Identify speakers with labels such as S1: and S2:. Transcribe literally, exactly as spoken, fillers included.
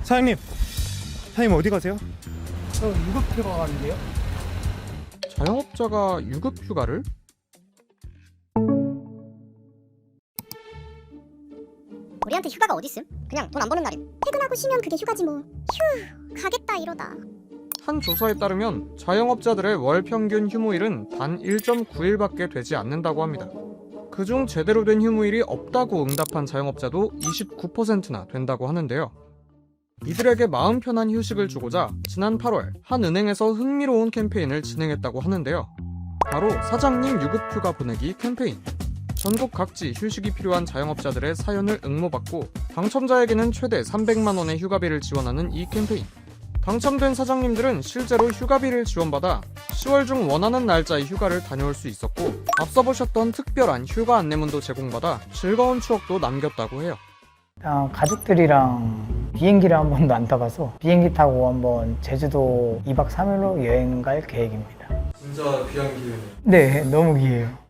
S1: 사장님, 사장님 어디 가세요?
S2: 저 유급휴가 가는데요?
S3: 자영업자가 유급 휴가를?
S4: 우리한테 휴가가 어딨음? 그냥 돈 안 버는 날임. 퇴근하고 쉬면 그게 휴가지 뭐. 휴, 가겠다 이러다.
S3: 한 조사에 따르면 자영업자들의 월 평균 휴무일은 단 일 점 구 일밖에 되지 않는다고 합니다. 그중 제대로 된 휴무일이 없다고 응답한 자영업자도 이십구 퍼센트나 된다고 하는데요. 이들에게 마음 편한 휴식을 주고자 지난 팔월 한 은행에서 흥미로운 캠페인을 진행했다고 하는데요. 바로 사장님 유급휴가 보내기 캠페인. 전국 각지 휴식이 필요한 자영업자들의 사연을 응모받고 당첨자에게는 최대 삼백만 원의 휴가비를 지원하는 이 캠페인. 당첨된 사장님들은 실제로 휴가비를 지원받아 시월 중 원하는 날짜의 휴가를 다녀올 수 있었고, 앞서 보셨던 특별한 휴가 안내문도 제공받아 즐거운 추억도 남겼다고 해요.
S2: 아, 가족들이랑 비행기를 한 번도 안 타봐서 비행기 타고 한번 제주도 이 박 삼 일로 여행 갈 계획입니다.
S3: 진짜 귀한 기회네요.
S2: 네, 너무 귀해요.